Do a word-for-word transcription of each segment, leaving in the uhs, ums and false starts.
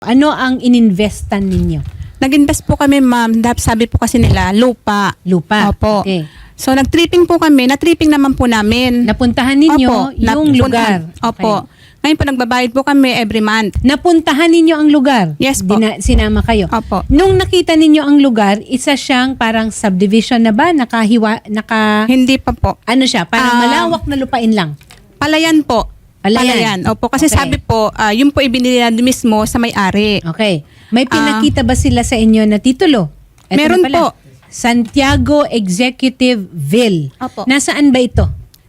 Ano ang ininvestan ninyo? Nag-invest po kami, ma'am. Dahil sabi po kasi nila, lupa. Lupa. Opo. Okay. So, nag-tripping po kami. Na-tripping naman po namin. Napuntahan ninyo Opo, yung napuntahan. lugar. Opo. Okay. Ngayon po, nagbabayad po kami every month. Napuntahan ninyo ang lugar? Yes po. Dina- sinama kayo? Opo. Nung nakita ninyo ang lugar, isa siyang parang subdivision na ba? Nakahiwa, naka... Hindi pa po. Ano siya? Parang Ah, malawak na lupain lang? Palayan po. Palayan. Opo. Kasi Okay. sabi po, ah, yun po ibinili mismo sa may-ari. Okay. May Ah. pinakita ba sila sa inyo na titulo? Eto Meron na pala. po. Santiago Executive Ville. Opo. Nasaan ba ito?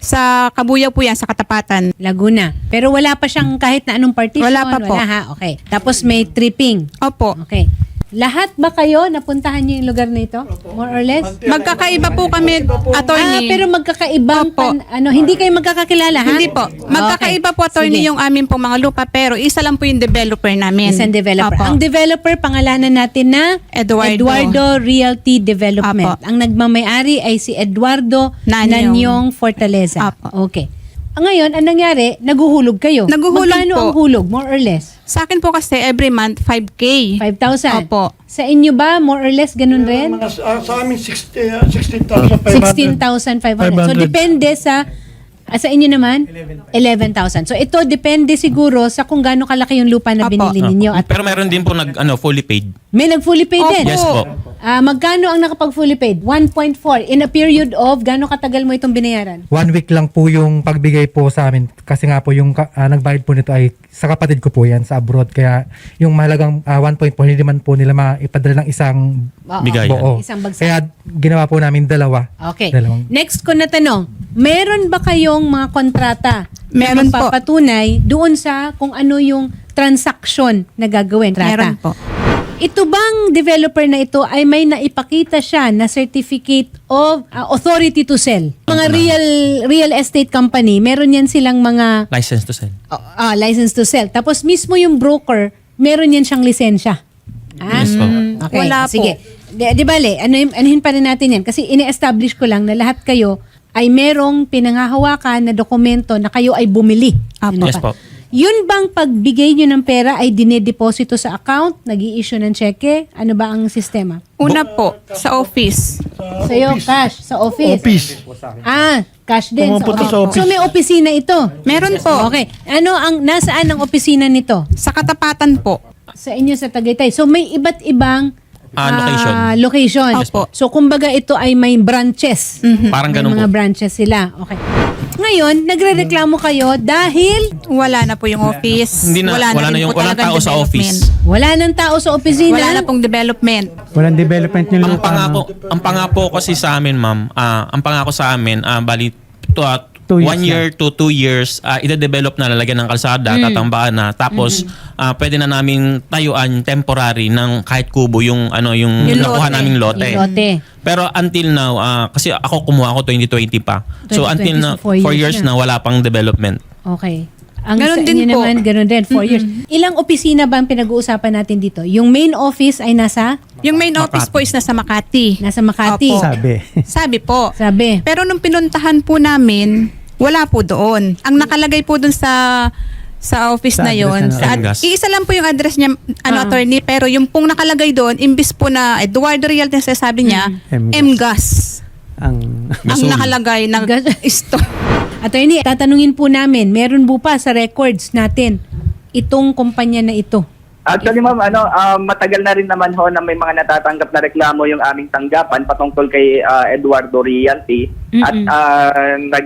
Sa Kabuyaw po yan, sa Katapatan. Laguna. Pero wala pa siyang kahit na anong partition? Wala pa po. Wala ha? Okay. Tapos may tripping. Opo. Okay. Lahat ba kayo napuntahan niyo yung lugar na ito? More or less? Magkakaiba po kami, Ah, attorney. pero magkakaibang Opo. pan, ano, hindi kayo magkakakilala, ha? Hindi po. Magkakaiba po, attorney, Sige. yung amin pong mga lupa, pero isa lang po yung developer namin. Isang developer. Opo. Ang developer, pangalanan natin na Eduardo. Eduardo Realty Development. Opo. Ang nagmamayari ay si Eduardo Nanyong. Nanyong Fortaleza. Opo. Okay. Ah, Ngayon, ang nangyari, naguhulog kayo. Naguhulog Magkano po. ang hulog? More or less? Sa akin po kasi every month five K. five thousand? Opo. Sa inyo ba, more or less, ganun rin? Mga, sa, sa amin, sixty, uh, sixteen thousand five hundred. sixteen thousand five hundred. So, depende sa, ah, sa inyo naman? eleven thousand. So, ito depende siguro sa kung gaano kalaki yung lupa na Opo. binili ninyo. At Pero meron din po nag ano fully paid. may nag-fully paid Opo. din? Yes po. Ah, magkano ang nakapag-fully paid? one point four. In a period of, gaano katagal mo itong binayaran? One week lang po yung pagbigay po sa amin kasi nga po yung ka- ah, nagbayad po nito ay sa kapatid ko po yan sa abroad kaya yung mahalagang ah, one point four hindi man po nila maipadala ng isang Oo. Bigayan. buo. Isang bagsak. Kaya ginawa po namin dalawa. Okay. Dalawang. Next ko na tanong, meron ba kayong mga kontrata Meron na po. magpapatunay doon sa kung ano yung transaction na gagawin? Meron po. Ito bang developer na ito ay may naipakita siya na certificate of uh, authority to sell? Mga real real estate company, meron yan silang mga License to sell. uh, uh, license to sell. Tapos mismo yung broker, meron yan siyang lisensya. Ah? Yes po. Okay, Wala po. sige. Di, di bale, ano, anuhin pa rin natin yan. Kasi ini-establish ko lang na lahat kayo ay merong pinangahawakan na dokumento na kayo ay bumili. Apo. Yes pa? po. Yun bang pagbigay nyo ng pera ay dinedeposito sa account, nag-i-issue ng cheque? Ano ba ang sistema? Una po, sa office. Sa'yo, cash, sa office. Office. Ah, cash din sa Pumupunta office. sa office. So may opisina ito? Meron po. Okay. Ano ang, nasaan ang opisina nito? Sa Katapatan po. Sa inyo sa Tagaytay. So may iba't ibang Ah, location. ah, location. Yes po. So kumbaga ito ay may branches. Parang May ganun mga po. branches sila. Okay. Ngayon, nagrereklamo kayo dahil Wala na po yung office. Hindi na wala, na, rin yung po walang talagang tao sa development. office. wala nang tao sa opisina. Wala na pong development. Walang development yung Ang lupa. pangako, ang pangako kasi sa amin, ma'am, ah, ang pangako sa amin, ah, bali to, ah, Two years one year to two years, uh, ide-develop na, lalagyan ng kalsada, Mm. tatambakan na. Tapos, ah, pwede na namin tayuan temporary ng kahit kubo yung ano yung, Yung nakuha lote. naming lote. Yung lote. Pero until now, ah, kasi ako kumuha ako twenty twenty pa. So twenty until twenty, now, so four four years years na. na wala pang development. Okay. Ang Ganon sa din inyo po. naman, ganun din, four years. Ilang opisina ba ang pinag-uusapan natin dito? Yung main office ay nasa Yung main office po is nasa Makati. nasa Makati. Opo. Sabi. Sabi po. Sabi. Pero nung pinuntahan po namin, wala po doon. Ang nakalagay po doon sa sa office Sa na address yon. na- Sa ad- Mgas. iisa lang po yung address niya, ano, Ah. attorney, pero yung pong nakalagay doon, imbis po na Eduardo Realty, sabi niya, Mm. M-Gas. Ang Ang Gasol. nakalagay na Gas- isto. Attorney, tatanungin po namin, meron po pa sa records natin itong kumpanya na ito? Actually, ma'am, ano, ah, matagal na rin naman ho na may mga natatanggap na reklamo yung aming tanggapan patungkol kay ah, Eduardo Realty. At Mm-mm. ah, nag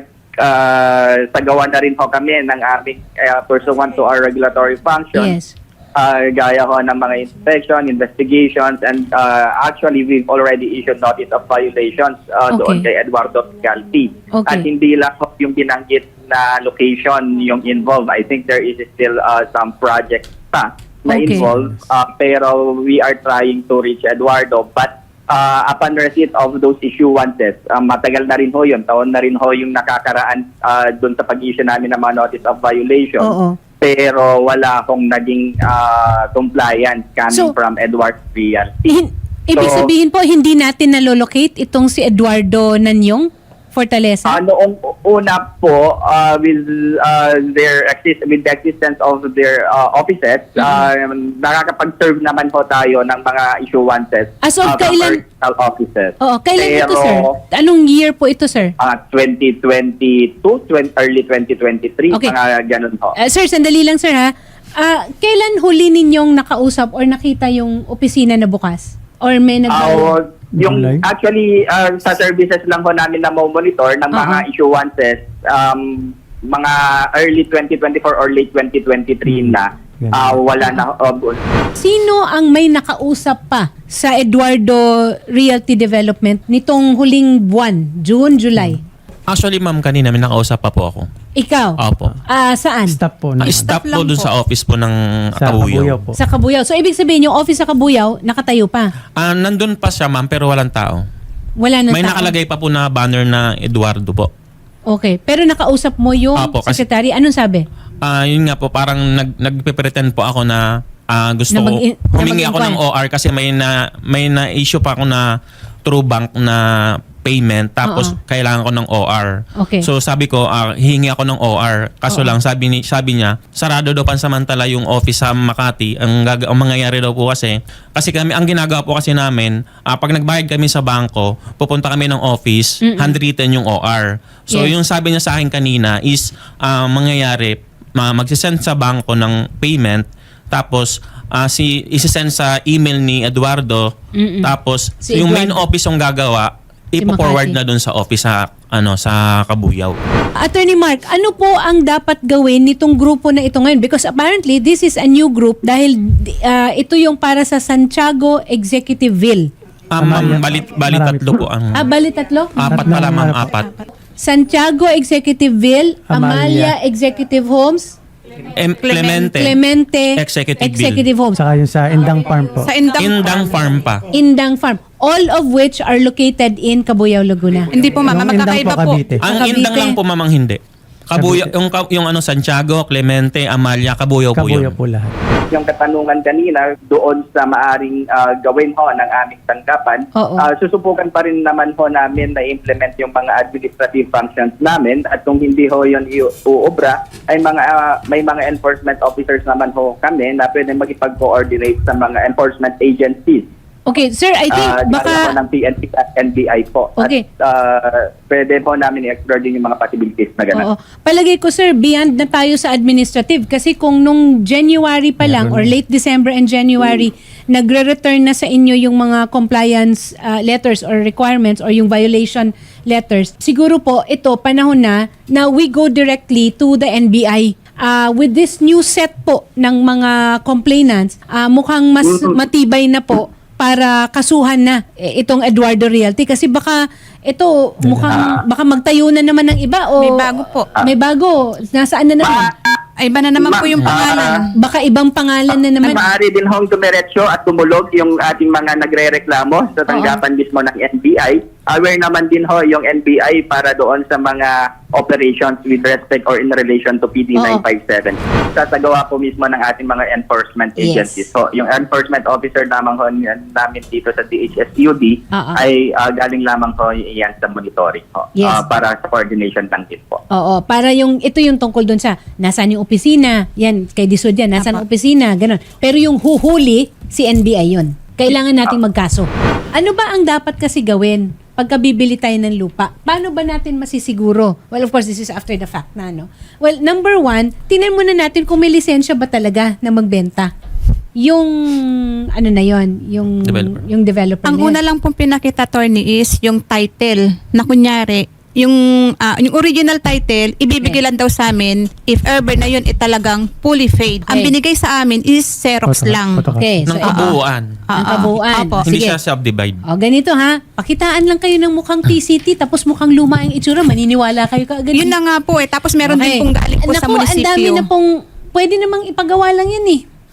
ah, sagawa na rin ho kami ng aming ah, pursuant to our regulatory functions. Yes. Ah, gaya ho ng mga inspection, investigations, and ah, actually we've already issued notice of violations ah, doon Okay. kay Eduardo Realty. Okay. At hindi lang ho yung binanggit na location yung involved. I think there is still ah, some projects pa na Okay. involved. Ah, pero we are trying to reach Eduardo. But ah, upon receipt of those issuances, ah, matagal na rin ho yun. Taon na rin ho yung nakakaraan ah, doon sa pag-issue namin ng mga notice of violation. Oo. Pero wala akong naging ah, compliance coming So- from Edward Realty. Hin- Ibig So- sabihin po, hindi natin nalolocate itong si Eduardo Nanyong? Fortaleza? Ah, noong una po, uh, with uh, their exist with the existence of their uh, offices, uh, nakakapag-serve naman po tayo ng mga issuances As of uh, from kailan- personal offices. Oo, kailan ito, Pero, sir? Anong year po ito, sir? ah, twenty twenty-two, twenty, early twenty twenty-three, Okay. mga ganun po. Uh, sir, sandali lang, sir, ha? Ah, kailan huli ninyong nakausap or nakita yung opisina na bukas? Or may nag- Ah, yung July? actually uh, sa services lang ho namin na monitor ng mga Uh-huh. issuances um, mga early twenty twenty-four or late twenty twenty-three na Ganun. ah, wala na uh, Sino ang may nakausap pa sa Eduardo Realty Development nitong huling buwan, June, July? Actually, ma'am, kanina may nakausap pa po ako. Ikaw? Opo. Ah, saan? Staff po. Ah, naman. staff lang po dun po. sa office po ng Sa Kabuyaw Kabuyaw. po. Sa Kabuyaw. So, ibig sabihin, yung office sa Kabuyaw, nakatayo pa. Ah, nandun pa siya, ma'am, pero walang tao. Wala na May tao. nakalagay pa po na banner na Eduardo po. Okay. Pero nakausap mo yung Apo, kasi- secretary. Anong sabi? Ah, yun nga po, parang nag nagpe-pretend po ako na ah, gusto Na ko mag- na humingi ako ng mag-inquire. O R kasi may na may na issue pa ako na True Bank na payment tapos Oo. kailangan ko ng O R. Okay. So sabi ko, ah, hihingi ako ng O R. Kaso Oo. lang sabi ni sabi niya, sarado daw pansamantala yung office sa Makati. Ang, gag- ang mangyayari daw po kasi kasi kami ang ginagawa po kasi namin, ah, pag nagbayad kami sa bangko, pupunta kami ng office, handwritten yung O R. So Yes. yung sabi niya sa akin kanina is ah, mangyayari ma- magsisend sa bangko ng payment tapos ah, si isisend sa email ni Eduardo Mm-mm. tapos Si yung main Eduardo. office yung gagawa ipo-forward Makati. na dun sa office sa ano sa Kabuyaw. Attorney Mark, ano po ang dapat gawin nitong grupo na ito ngayon? Because apparently, this is a new group dahil ah, ito yung para sa Santiago Executiveville. Ah, ma'am, Marami- balit balit marami tatlo po. po ang Ah, bali tatlo? apat Tatlo pala ang ma'am, harap. apat. Santiago Executiveville, Amalia, Amalia. Executive Homes, Em, Clemente, Clemente Executive Bill. Executive Homes, Saka yung sa Indang Farm po. Sa Indang, Indang Farm pa. Indang Farm. All of which are located in Cabuyao, Laguna. Hindi po ma'am, Yung Indang magkakaiba po, po. Cavite. Ang Cavite. Indang lang po mamang hindi. Kabuyaw, Cavite. yung, ka- yung ano, Santiago, Clemente, Amalia, Kabuyaw po yun. Kabuyaw po lahat. yung katanungan kanina doon sa maaring ah, gawin ho ng aming tanggapan, Oo. ah, susubukan pa rin naman ho namin na implement yung mga administrative functions namin at kung hindi ho yun iuobra, ay mga ah, may mga enforcement officers naman ho kami na pwede makipag-coordinate sa mga enforcement agencies. Okay, sir, I think Ah, baka... gaya po ng P N P at N B I po. Okay. At ah, pwede po namin i-explore din yung mga possibilities na gano'n. Oo. Palagay ko, sir, beyond na tayo sa administrative. Kasi kung nung January pa lang or late December and January, nagre-return na sa inyo yung mga compliance uh, letters or requirements or yung violation letters, siguro po ito, panahon na na we go directly to the N B I. Uh, with this new set po ng mga complainants, uh, mukhang mas matibay na po para kasuhan na eh, itong Eduardo Realty kasi baka ito mukhang baka magtayo na naman ng iba o May bago po. May bago. Nasaan na naman? Ay, iba na naman po yung pangalan. Baka ibang pangalan na naman. Maaari din hong dumiretso at tumulog yung ating mga nagre-reklamo sa tanggapan mismo ng N B I. Aware naman din ho yung N B I para doon sa mga operations with respect or in relation to P D Oo. nine five seven. Sasagawa po mismo ng ating mga enforcement Yes. agencies. So, yung enforcement officer naman ho niyan- namin dito sa D H S U D Oo. ay ah, galing lamang ho iyan sa monitoring ho. Yes. Ah, para sa coordination lang din po. Oo, para yung ito yung tungkol doon sa nasaan yung opisina, yan kay Disod yan, nasaan ang opisina, ganun. Pero yung huhuli si N B I yun. Kailangan nating magkaso. Ano ba ang dapat kasi gawin pagka bibili tayo ng lupa? Paano ba natin masisiguro? Well, of course, this is after the fact na, no? Well, number one, tingnan muna natin kung may lisensya ba talaga na magbenta. Yung, ano na yon yung Developer. yung developer Ang na yun. una lang pong pinakita, attorney, is yung title na kunyari, yung ah, yung original title, ibibigay Okay. lang daw sa amin if ever na yun, eh, talagang fully paid. Ang Okay. binigay sa amin is Xerox Photo- lang. photocopy. Okay, so Ng kabuuan. Ah, ang ah, kabuuan. opo. Hindi Sige. siya subdivide. O, ganito ha. Pakitaan lang kayo ng mukhang T C T tapos mukhang luma ang itsura. Maniniwala kayo kaagad. Yun na nga po eh. Tapos meron Okay. din pong galing po Naku, sa munisipyo. ang dami na pong, pwede namang ipagawa lang yan eh.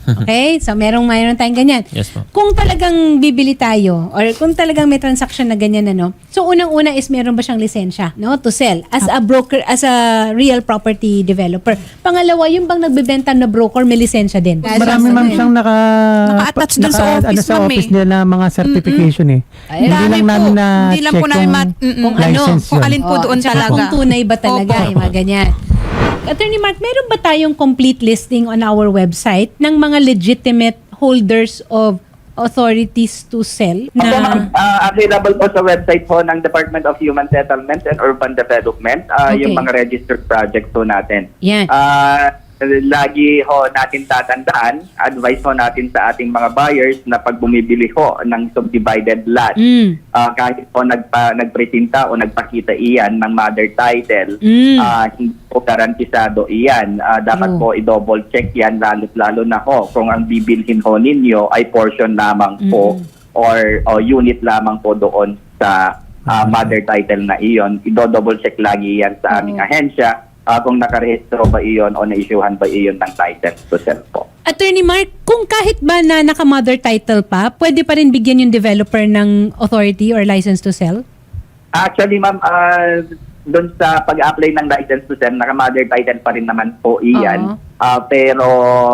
Okay? So, merong mayroon tayong ganyan. Yes po. Kung talagang bibili tayo or kung talagang may transaction na ganyan, ano, so unang-una is meron ba siyang lisensya, no, to sell as a broker, as a real property developer. Pangalawa, yung bang nagbebenta na broker may lisensya din. Marami ma'am siyang naka, Naka-attach dun sa naka- office, ano, sa ma'am, office eh. nila mga certification eh. Ay, Hindi Dami lang po. namin na Hindi lang check po namin kung mat- mm-mm. Kung ano, license kung yun. alin po Oo, doon at saka talaga. kung tunay ba talaga, Opo. yung mga ganyan. Attorney Mark, meron ba tayong complete listing on our website ng mga legitimate holders of authorities to sell? Opo, ma'am. Ah, available po sa website po ng Department of Human Settlements and Urban Development, ah, Okay. yung mga registered project po natin. Yan. Ah, lagi ho natin tatandaan, advice ho natin sa ating mga buyers na pag bumibili ho ng subdivided lot, Mm. ah, kahit po nagpa, nagpresenta o nagpakita iyan ng mother title, Mm. ah, hindi po garantisado iyan. Ah, dapat True. po i-double check yan, lalo-lalo na ho kung ang bibilhin ho ninyo ay portion lamang po or, o unit lamang po doon sa ah, mother title na iyon. I-double check lagi yan sa aming ahensya ah, kung nakarehistro ba iyon o na-issuehan ba iyon ng license to sell po. Attorney Mark, kung kahit ba na naka-mother title pa, pwede pa rin bigyan yung developer ng authority or license to sell? Actually, ma'am, ah, doon sa pag-apply ng license to sell, naka-mother title pa rin naman po iyan. Oo. Ah, pero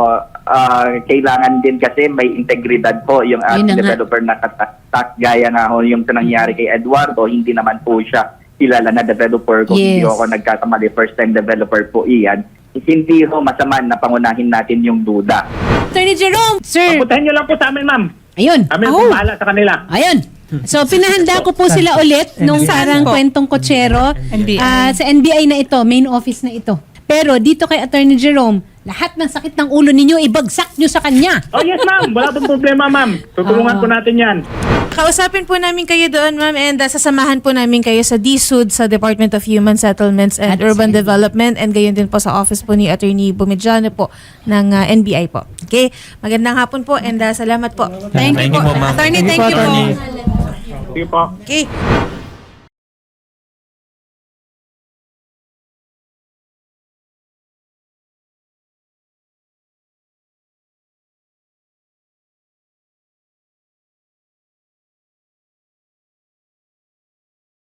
ah, kailangan din kasi may integridad po yung Yun na ating nga. developer na katak. Gaya nga ho yung nangyari kay Eduardo, hindi naman po siya kilala na developer. Kung hindi Yes. ako nagkakamali, first time developer po iyan. Hindi ho masama na pangunahin natin yung duda. Attorney Jerome, sir. Putahin nyo lang po sa amin, ma'am. Ayun. Kami Oh. po bahala sa kanila. Ayun. So, pinahanda ko po sila ulit nung Saan parang po? kwentong kotsero. N B I. Ah, sa N B I na ito, main office na ito. Pero dito kay Attorney Jerome, lahat ng sakit ng ulo ninyo, ibagsak nyo sa kanya. Oh yes, ma'am. Wala pong problema, ma'am. Tutulungan Ah. po natin yan. Kausapin po namin kayo doon, ma'am, and uh, sasamahan po namin kayo sa D S U D sa Department of Human Settlements and At Urban sa- Development, and gayon din po sa office po ni Attorney Bumidjano po ng uh, N B I po. Okay? Magandang hapon po and uh, salamat po. Thank you Thank po. you po, ma'am. Attorney, Thank you thank po, you po. attorney. Sige po. Okay.